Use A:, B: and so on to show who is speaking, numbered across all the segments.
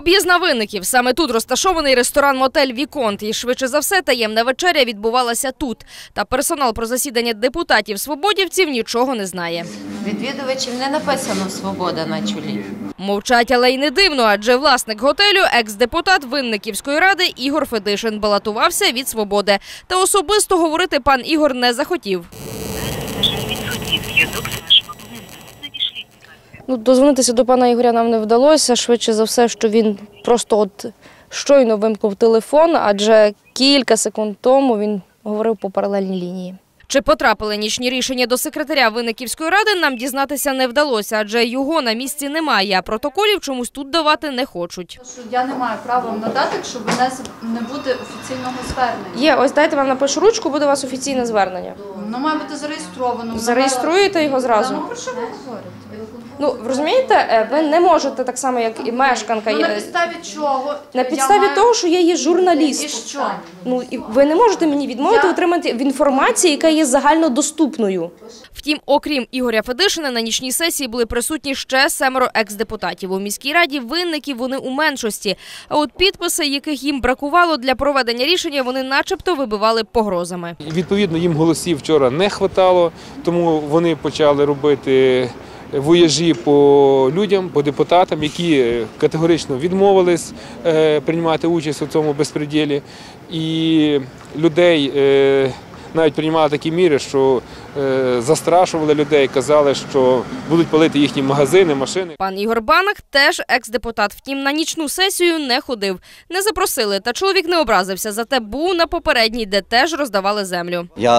A: Об'їзд Винників. Саме тут розташований ресторан-мотель «Віконт». І швидше за все таємна вечеря відбувалася тут. Та персонал про засідання депутатів-свободівців нічого не знає.
B: Відвідувачів не написано «Свобода» на чолі.
A: Мовчать, але й не дивно, адже власник готелю – екс-депутат Винниківської ради Ігор Федишин балотувався від «Свободи». Та особисто говорити пан Ігор не захотів. Дозвонитися до пана Ігоря нам не вдалося. Швидше за все, що він просто щойно вимкнув телефон, адже кілька секунд тому він говорив по паралельній лінії. Чи потрапили нічні рішення до секретаря Винниківської ради, нам дізнатися не вдалося, адже його на місці немає, а протоколів чомусь тут давати не хочуть.
C: Я не маю права вам надати, якщо не буде офіційного звернення.
A: Є, ось дайте вам напишу ручку, буде у вас офіційне звернення.
C: Воно має бути зареєстровано.
A: Зареєструєте його зразу?
C: Ну, про що ви говорите?
A: Ви розумієте, ви не можете так само, як і мешканка.
C: На підставі чого?
A: На підставі того, що я є журналіст.
C: І що?
A: І ви не можете мені відмовити отримати інформацію, яка є загальнодоступною. Втім, окрім Ігоря Федишина, на нічній сесії були присутні ще 7 екс-депутатів. У міській раді Винників вони у меншості. А от підписи, яких їм бракувало для проведення рішення, вони начебто вибивали погрозами.
D: Відповідно, їм голосів вчора не вистачало, тому вони почали робити вояжі по людям, по депутатам, які категорично відмовились приймати участь у цьому безпреділі. І людей навіть приймали такі міри, що застрашували людей, казали, що будуть палити їхні магазини, машини.
A: Пан Ігор Банах теж екс-депутат, втім на нічну сесію не ходив. Не запросили, та чоловік не образився, зате був на попередній, де теж роздавали землю.
E: Я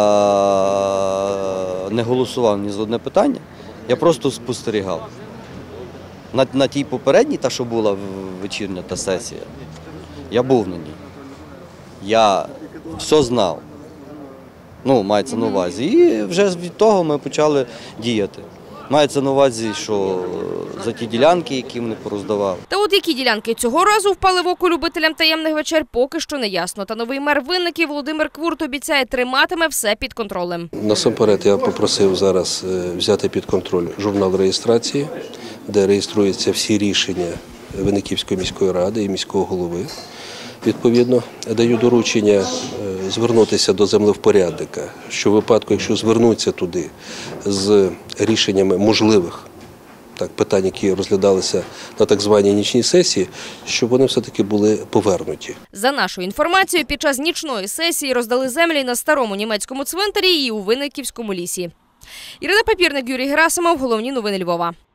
E: не голосував ні за одне питання. Я просто спостерігав. На тій попередній, та що була вечірня та сесія, я був на ній. Я все знав. Мається на увазі. І вже від того ми почали діяти. Мається на увазі, що за ті ділянки, які вони пороздавали.
A: Та от які ділянки цього разу впали в око любителям таємних вечер, поки що не ясно. Та новий мер Винників Володимир Квурт обіцяє, триматиме все під контролем.
F: Насамперед я попросив зараз взяти під контроль журнал реєстрації, де реєструються всі рішення Винниківської міської ради і міського голови. Відповідно, даю доручення звернутися до землевпорядника, що в випадку, якщо звернуться туди з рішеннями можливих питань, які розглядалися на так званій нічній сесії, щоб вони все-таки були повернуті.
A: За нашою інформацією, під час нічної сесії роздали землі на старому німецькому цвинтарі і у Винниківському лісі. Ірина Папірник, Юрій Герасимов. Головні новини Львова.